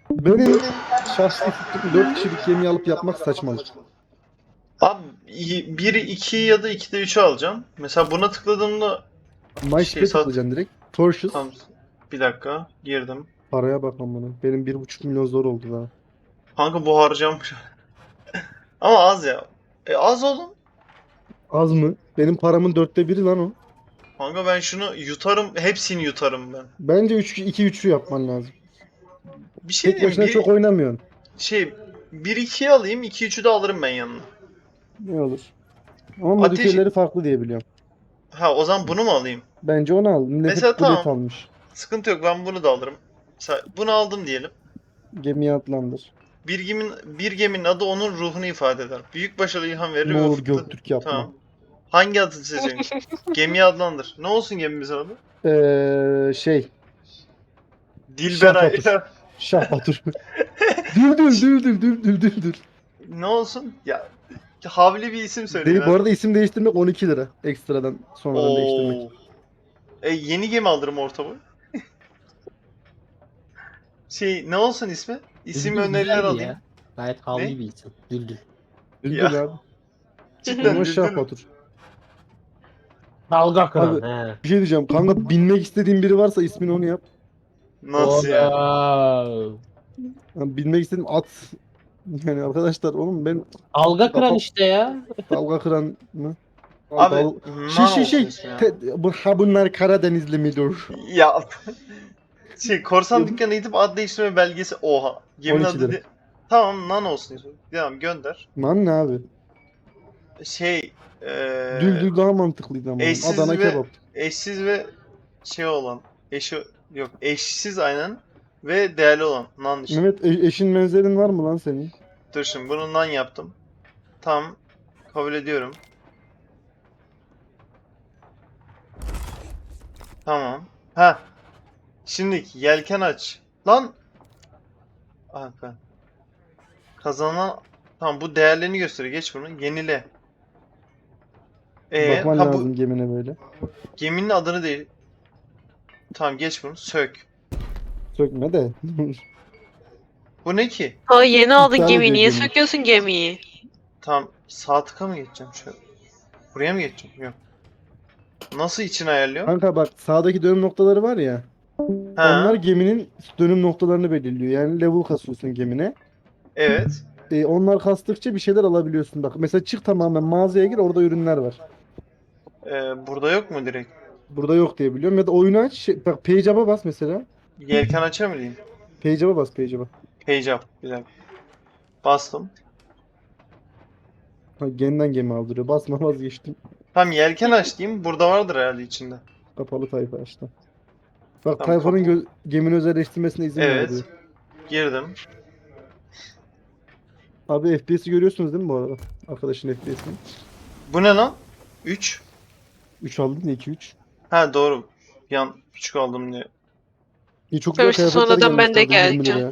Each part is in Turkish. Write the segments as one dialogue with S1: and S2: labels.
S1: Benim şahsi fikrim 4 kişilik gemi alıp yapmak saçmalık.
S2: Abi biri 2 ya da 2'de 3'ü alacağım. Mesela buna tıkladığımda
S1: MySpace'e
S2: sat.
S1: tıklayacaksın direkt. Torches.
S2: Tamam. Bir dakika girdim.
S1: Paraya bak amına. Benim 1,5 milyon zor oldu daha.
S2: Kanka bu harcamış. Ama az ya. Az oğlum.
S1: Az mı? Benim paramın 1/4 lan o.
S2: Kanka ben şunu yutarım. Hepsini yutarım ben.
S1: Bence 2-3'lü yapman lazım.
S2: Bir şey
S1: Tek
S2: diyeyim.
S1: başına çok oynamıyorsun.
S2: Şey 1-2'yi alayım. 2-3'ü de alırım ben yanına.
S1: Ne olur. Ama
S2: Ateş.
S1: modifiyeleri farklı diye biliyorum.
S2: Ha o zaman bunu mu alayım?
S1: Bence onu al. Millet
S2: Mesela
S1: hep bullet
S2: tamam.
S1: almış.
S2: Sıkıntı yok. Ben bunu da alırım. Mesela bunu aldım diyelim.
S1: Gemiye atlandır.
S2: Bir geminin adı onun ruhunu ifade eder. Büyük başarı ilham verir
S1: Ne
S2: ve
S1: olur
S2: ufukta...
S1: Göktürk yapma.
S2: Tamam. Hangi adı seçeceksin? Gemiyi adlandır. Ne olsun gemimizin adı?
S1: Şey.
S2: Dilberay.
S1: Şah Batur. Şah Batur. Düldül düldül düldül düldül.
S2: Ne olsun? Ya havli bir isim söyleyin
S1: Bu
S2: abi.
S1: arada isim değiştirmek 12 lira. Ekstradan sonradan değiştirmek.
S2: Oo. Yeni gemi alırım orta boy. Ne olsun ismi? İsim
S3: Düldül
S2: öneriler
S3: güzeldi
S2: alayım.
S3: ya. Gayet
S2: Ne?
S3: havli bir isim. Düldül.
S1: Düldül
S2: Ya
S1: abi.
S2: cidden
S1: Ama Şah
S2: düldül.
S1: Batur.
S3: Dalga kıran
S1: Abi
S3: he.
S1: bir şey diyeceğim. Kanka binmek istediğin biri varsa ismini onu yap.
S2: Nasıl yani?
S3: Oğlum.
S1: Yani binmek istediğim at. Yani arkadaşlar oğlum ben
S3: Dalga kıran
S1: kafam
S3: işte ya.
S1: dalga kıran mı?
S2: Abi
S1: Şey
S2: ne olsun ismi ya?
S1: bunlar Karadenizli midir?
S2: Ya korsan dükkanına gidip ad değiştirme belgesi oha. Geminin
S1: 12
S2: adı
S1: lira.
S2: Tamam nan olsun ismi. Tamam gönder.
S1: Lan ne abi?
S2: Şey
S1: Düldül daha mantıklıydı ama.
S2: eşsiz
S1: Adana
S2: ve
S1: kebap.
S2: eşsiz ve olan eşi yok eşsiz aynen ve değerli olan nan işte.
S1: Mehmet eşin benzerin var mı lan senin?
S2: Dur şimdi bunu nan yaptım. Tamam kabul ediyorum. Tamam. Ha şimdi yelken aç. Lan ah ben. Kazanan tamam bu değerlerini gösteriyor. Geç bunu. Yenile.
S1: Bakman
S2: Ha bu
S1: lazım gemine böyle.
S2: geminin adını değil. Tamam geç bunu. Sök.
S1: Sökme de.
S2: Bu ne ki?
S4: Aa yeni aldın
S1: İptal
S4: gemiyi.
S1: ediyor
S4: Niye
S1: gemiyi.
S4: söküyorsun gemiyi?
S2: Tamam sağ tıka mı geçeceğim şöyle? Buraya mı geçeceğim? Yok. Nasıl için ayarlıyor?
S1: Kanka bak sağdaki dönüm noktaları var ya. Onlar
S2: Ha,
S1: geminin dönüm noktalarını belirliyor. Yani level kasıyorsun gemine.
S2: evet.
S1: Onlar kastıkça bir şeyler alabiliyorsun. Bak mesela çık tamamen mağazaya gir orada ürünler var.
S2: Burada yok mu direkt?
S1: Burada yok diye biliyorum. Ya da oyunu aç. Bak page up'a bas mesela.
S2: Yelken açar mı diyeyim?
S1: Page up'a bas page up'a.
S2: Page up. Bir dakika. Bastım.
S1: Ha, yeniden gemi aldırıyor. Basma vazgeçtim.
S2: Tamam yelken aç diyeyim. Burada vardır herhalde içinde.
S1: Kapalı tayfa açtı. Bak
S2: Tamam
S1: tayfanın gemini özelleştirmesine izin ver diyor.
S2: Evet. Girdim.
S1: Abi FPS'i görüyorsunuz değil mi bu arada? Arkadaşın FPS'ini.
S2: Bu ne lan? 3.
S1: 3 aldın ya 2-3.
S2: Ha doğru. Bir an küçük aldım diye.
S1: İyi çok güzel
S4: Demişti
S1: kıyafetler
S4: sonradan
S1: gelmiş
S4: ben de
S1: bu arada 20
S4: geleceğim.
S1: liraya.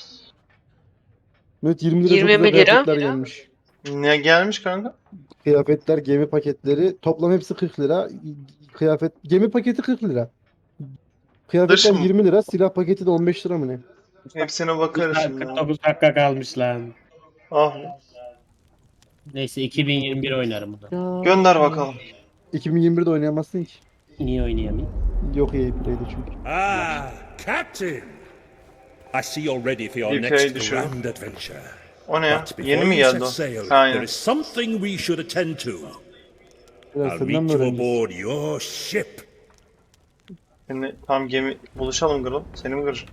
S1: Evet 20 lira çok
S4: 20
S1: güzel
S4: lira.
S1: kıyafetler gelmiş.
S2: Ne gelmiş kanka?
S1: Kıyafetler, gemi paketleri toplam hepsi 40 lira. Gemi paketi 40 lira. Kıyafetler
S2: Dış mı?
S1: 20 lira, silah paketi de 15 lira mı ne?
S2: Hepsine bakarız şimdi. ya.
S3: 49 dakika kalmış lan.
S2: Ah.
S3: Neyse 2021 oynarım bunu.
S2: Gönder bakalım.
S1: 2021'de oynayamazsın ki.
S3: Niye oynayamayayım?
S1: Yok EA Play'de çünkü.
S5: Ah, Captain! I see you're ready for your
S2: Bir
S5: next
S2: kere düşürdüm.
S5: grand adventure.
S2: O ne ya?
S5: But
S2: Yeni
S5: before
S2: mi
S5: you
S2: geldi o?
S5: set sail,
S2: Ha,
S5: there
S2: aynen.
S5: is something we should attend to.
S1: Biraz
S5: I'll
S1: senden mi
S5: meet you
S1: öğreneceğiz?
S5: aboard your ship.
S2: Şimdi tam gemi buluşalım Gırıl. Seni mi kıracağım?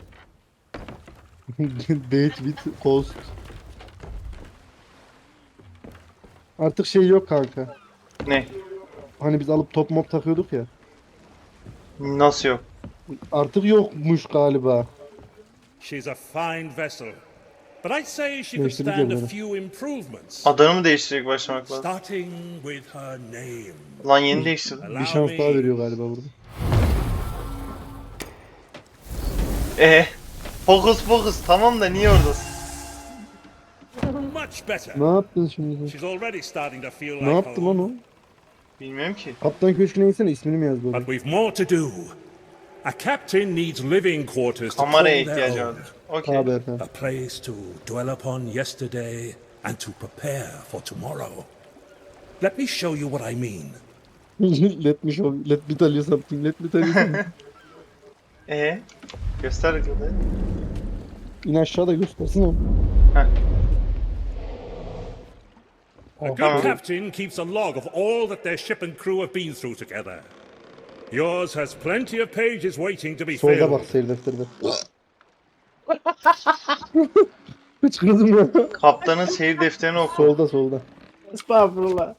S1: Date with Ghost. Artık şey yok kanka.
S2: Ne?
S1: Hani biz alıp top mop takıyorduk ya.
S2: Nasıl yok?
S1: Artık yokmuş galiba.
S5: She's a fine vessel, but I'd say she could
S1: Değiştirdik
S5: stand a
S1: yerleri.
S5: few improvements.
S2: Adını mı değiştirecek başlamak lazım?
S5: Starting with her name.
S2: Lan yeni değiştirdim.
S1: Bir
S5: Allow
S1: şans daha
S5: me.
S1: veriyor galiba burada.
S2: Fokus fokus tamam da niye oradasın?
S5: Much better.
S1: Ne yaptın şimdi?
S5: She's already starting to feel like
S1: Ne yaptı lan
S5: home.
S1: o?
S2: Bilmiyorum ki.
S1: Kaptan Köşkü'ne insene ismini mi yazdı
S5: But
S1: orada?
S5: we've more to do. A captain needs living quarters to call
S2: Kameraya
S5: their
S2: ihtiyacı
S5: own.
S2: vardır. Okey.
S1: Abi efendim.
S5: A place to dwell upon yesterday and to prepare for tomorrow. Let me show you what I mean.
S1: Let me tell you something. Let me tell you something.
S2: Göster bakalım.
S1: İn aşağıda göstersin o.
S2: Heh.
S5: A good
S2: Tamam.
S5: captain keeps a log of all that their ship and crew have been through together. Yours has plenty of pages waiting to be
S1: Solda bak
S5: filled.
S1: seyir defterde. Hıçkırdım ya.
S2: Kaptanın seyir defterini oku.
S1: Solda solda.
S3: Estağfurullah.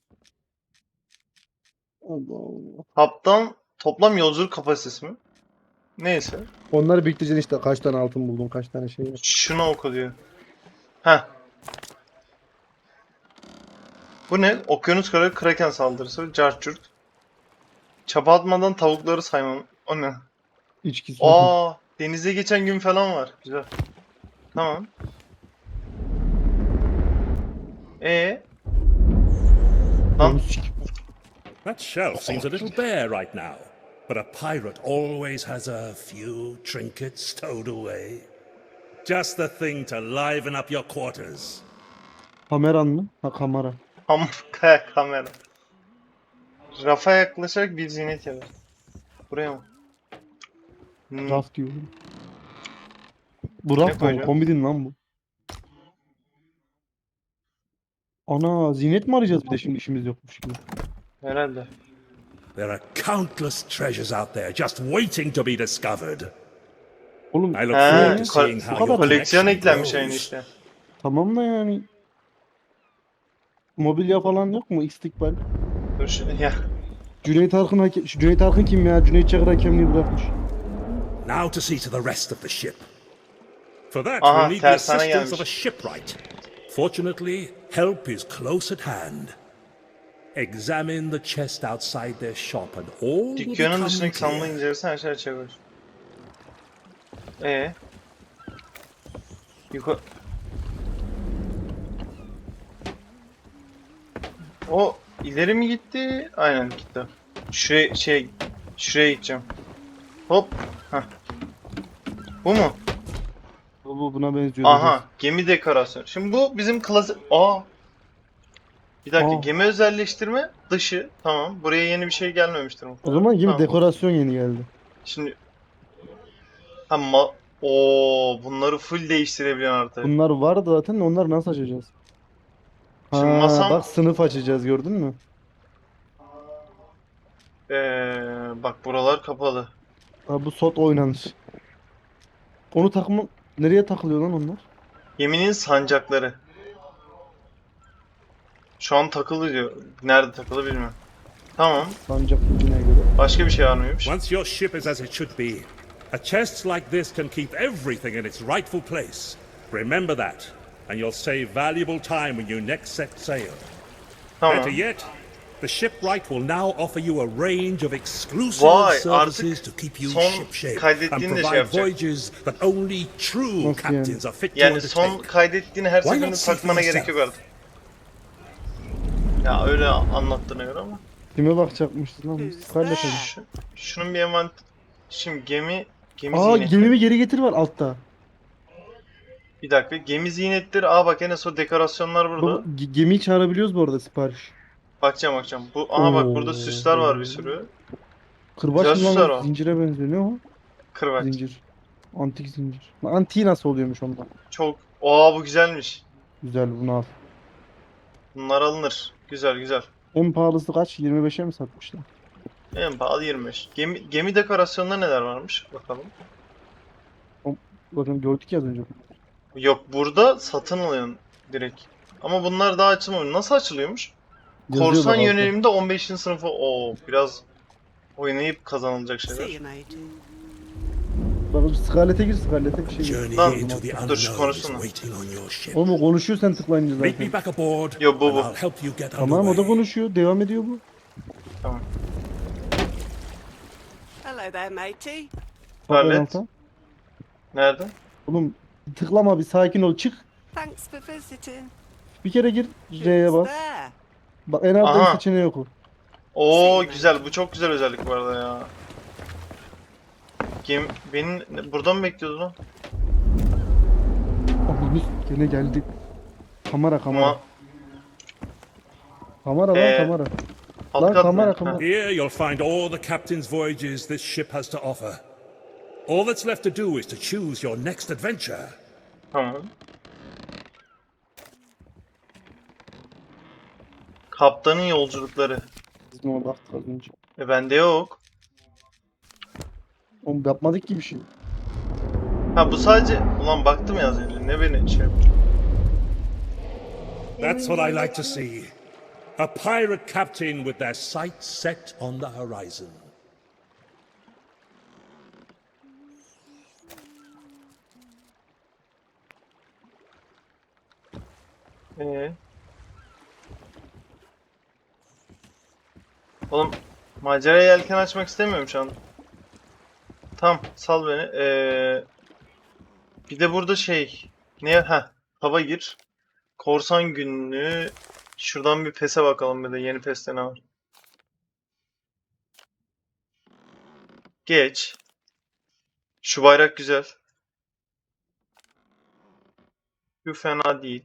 S1: Allah Allah.
S2: Kaptan toplam yolculuk kapasitesi mi? Neyse.
S1: Onları biriktireceksin işte. Kaç tane altın buldun, kaç tane şey var.
S2: Şunu oku diyor. Heh. Bu ne? Okyanus kralı kraken saldırısı. Carçurt. Çapa atmadan tavukları saymam. O ne?
S1: İçki su.
S2: Aa, denize geçen gün falan var. Güzel. Tamam. Lan
S5: That shelf seems a little bare right now, but a pirate always has a few trinkets stowed away. Just the thing to liven up your quarters.
S1: Kameran mı? Ha kamera.
S2: kamera. Rafa yaklaşarak bir zinet yapar. Buraya mı?
S1: Raf diyorum. Bu raf mı?
S2: koyacağım?
S1: Komedin lan bu. Ana zinet mi arayacağız bir de şimdi işimiz yokmuş gibi.
S2: Herhalde.
S5: There are countless treasures out there just waiting to be discovered.
S1: Oğlum
S5: I look
S2: He,
S5: forward to seeing how your
S2: koleksiyon
S5: collection
S2: eklenmiş aynı
S5: grows.
S2: işte.
S1: tamam da yani. Mobilya falan yok mu? İstikbal.
S2: Dur şu ya.
S1: Cüneyt Arkın, Cüneyt Arkın kim ya? Cüneyt Çakır hakemliği bırakmış.
S5: Now to see to the rest of the ship. For that,
S2: Aha,
S5: we'll need the
S2: tersane
S5: assistance of a
S2: gelmiş.
S5: shipwright. Fortunately, help is close at hand. Examine the chest outside their shop and all will
S2: Dükkanın
S5: become
S2: dışındaki sandığı
S5: clear.
S2: incelersen her şey çevir. Yukarı... O ileri mi gitti? Aynen gitti. Şuraya gideceğim. Hop. Heh. Bu mu?
S1: Bu buna benziyor.
S2: Aha, gemi dekorasyonu. Şimdi bu bizim klasik... Bir dakika,
S1: Aa.
S2: gemi özelleştirme dışı. Tamam. Buraya yeni bir şey gelmemiştir
S1: O
S2: muhtemelen.
S1: zaman gibi
S2: Tamam.
S1: dekorasyon yeni geldi.
S2: Şimdi... Bunları full değiştirebiliyorsun artık.
S1: Bunlar vardı zaten de onları nasıl açacağız?
S2: Şimdi
S1: Ha,
S2: masam...
S1: bak sınıf açacağız gördün mü?
S2: Bak buralar kapalı.
S1: Ha, bu sot oynanır. Onu takma... Nereye takılıyor lan onlar?
S2: Geminin sancakları. Şu an takılı diyor. Nerede takılı bilmiyorum. Tamam.
S1: Sancak gücüne göre.
S2: Başka bir şey var mıymış?
S5: Once your ship is as it should be, a chest like this can keep everything in its rightful place. Remember that, and you'll save valuable time when you next set sail.
S2: Tamam.
S5: Better yet, the shipwright will now offer you a range of exclusive
S2: Vay,
S5: services
S2: artık
S5: to keep you
S2: son
S5: shipshape and
S2: kaydettiğini de şey
S5: provide
S2: yapacak.
S5: voyages that only true
S1: Nasıl
S5: captains are fit to
S2: Yani son
S5: undertake.
S2: kaydettiğini her
S5: Why
S2: seferinde
S5: not see for
S2: takmana gerek
S5: yourself?
S2: yok artık. Ya öyle anlattığına göre ama.
S1: Kime bakacakmışız lan? Biz Scarlet Agent.
S2: Şunun bir Şimdi gemi
S1: Aa
S2: ziynetleri.
S1: gemimi geri getir var altta.
S2: Bir dakika, gemi ziynetleri. Bak en son dekorasyonlar burada.
S1: Bu gemiyi çağırabiliyoruz bu arada sipariş.
S2: Bakacağım. Bak burada
S1: Oo.
S2: süsler var bir sürü.
S1: Kırbaç
S2: Güzel
S1: mı
S2: süsler
S1: lan?
S2: o.
S1: Zincire benziyor. Ne o?
S2: Kırbaç.
S1: Zincir. Antik zincir. Lan antiği nasıl oluyormuş ondan?
S2: Çok. Bu güzelmiş.
S1: Güzel bunu al.
S2: Bunlar alınır. Güzel.
S1: En pahalısı kaç? 25'e mi satmışlar?
S2: En pahalı 25. Gemi dekorasyonunda neler varmış? Bakalım.
S1: Bakın gördük ya az önce.
S2: Yok, burada satın alıyorsun direkt. Ama bunlar daha açılmamış. Nasıl açılıyormuş?
S1: Yazıyor
S2: Korsan
S1: bak altta.
S2: yöneliminde 15. sınıfı. Biraz oynayıp kazanılacak
S4: See
S2: şeyler.
S4: you, matey.
S1: Bak Scarlet'e gir Scarlet'e bir şey.
S5: Journey
S2: Lan,
S5: into the
S2: dur şu
S5: unknown is
S2: konuşsana.
S5: waiting on your ship.
S1: Oğlum o konuşuyor sen tıklayınca
S5: Meet me
S1: zaten.
S5: back aboard,
S2: Yo, bu.
S5: and I'll help you get
S1: Tamam o da
S5: underway.
S1: konuşuyor. Devam ediyor bu.
S2: Tamam.
S4: Hello there, matey.
S1: Bak en
S2: Scarlet.
S1: alta.
S2: Nerede?
S1: Oğlum tıklama bir sakin ol. Çık.
S4: Thanks for visiting.
S1: Bir kere gir. C'ye
S4: Who's
S1: bas.
S4: there?
S1: Bak en altta
S2: Aha.
S1: bir seçeneği oku.
S2: Güzel. Bu çok güzel özellik bu arada ya. Beni burada mı bekliyordu lan?
S1: Ananı gene geldi. Kamera kamera.
S2: Ama
S1: Kamera lan
S2: Ee,
S1: kamera.
S2: alt
S1: Lan
S2: kat
S1: kamera
S2: mı?
S1: kamera.
S5: Here you'll find all the captain's voyages this ship has to offer. All that's left to do is to choose your next adventure.
S2: Tamam. Kaptanın yolculukları.
S1: Biz ne oldu artık az önce?
S2: Bende yok.
S1: Oğlum yapmadık ki bir şey.
S2: Ha bu sadece... Ulan baktım ya az önce. Ne beni şey yaptı?
S5: That's what I like to see. A pirate captain with their sights set on the horizon.
S2: Ee? Oğlum maceraya yelken açmak istemiyorum şu an. Tamam sal beni. Bir de burada şey ne ha hava gir. Korsan günlüğü. Şuradan bir PES'e bakalım bir de yeni PES'te ne var. Geç. Şu bayrak güzel. Bu fena değil.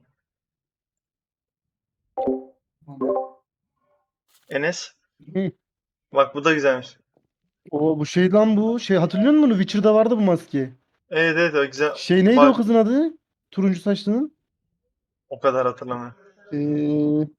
S2: Enes.
S1: Hı.
S2: Bak bu da güzelmiş.
S1: O bu şey lan bu. Şey hatırlıyor musun bunu? Witcher'da vardı bu maske.
S2: Evet evet o güzel.
S1: Şey neydi
S2: Bak-
S1: o kızın adı? Turuncu saçlının.
S2: O kadar hatırlamıyorum.
S1: Ee,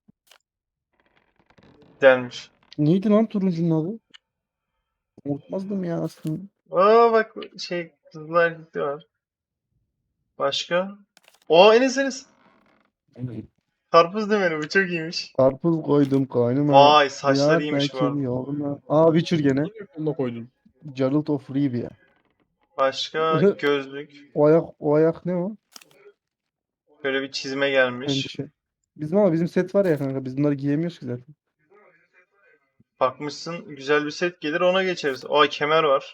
S2: Güzelmiş.
S1: neydi lan turuncunun adı? Unutmazdım ya aslında.
S2: Aa bak şey kızlar erkekli var. Başka? O Enes. Karpuz demeli bu çok iyiymiş.
S1: Karpuz koydum kaynıma.
S2: Vay saçları
S1: Hayat
S2: iyiymiş bu
S1: belki
S2: arada.
S1: yoluna. Aa Witcher gene.
S3: Onunla koydun.
S1: Geralt of Rivia.
S2: Başka gözlük.
S1: O ayak ne o?
S2: Böyle bir çizme gelmiş.
S1: Endişe. Bizim set var ya kanka. Biz bunları giyemiyoruz ki zaten.
S2: Bakmışsın güzel bir set gelir ona geçeriz. Aa kemer var.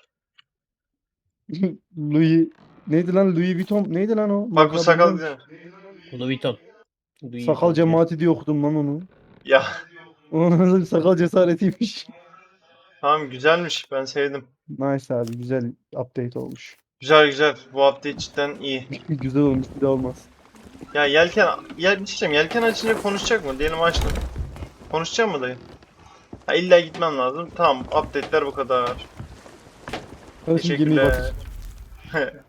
S1: Louis neydi lan Louis Vuitton neydi lan o?
S2: Bak bu
S1: Marka
S2: sakal
S1: bilmiyorum.
S2: güzel.
S3: Louis Vuitton.
S1: Sakal cemaati diye okudum lan onu.
S2: Ya
S1: Onun sakal cesaretiymiş.
S2: tamam güzelmiş ben sevdim.
S1: Nice abi güzel update olmuş.
S2: Güzel güzel bu update cidden iyi.
S1: Güzel olmuş bir daha olmaz.
S2: Ya yelken bir şey diyeceğim, yelken açınca konuşacak mı? Diyelim açtım. Konuşacak mı dayı? Ha illa gitmem lazım. Tamam update'ler bu kadar.
S1: Hadi şimdi gemiyi
S2: Teşekkürler.
S1: batır.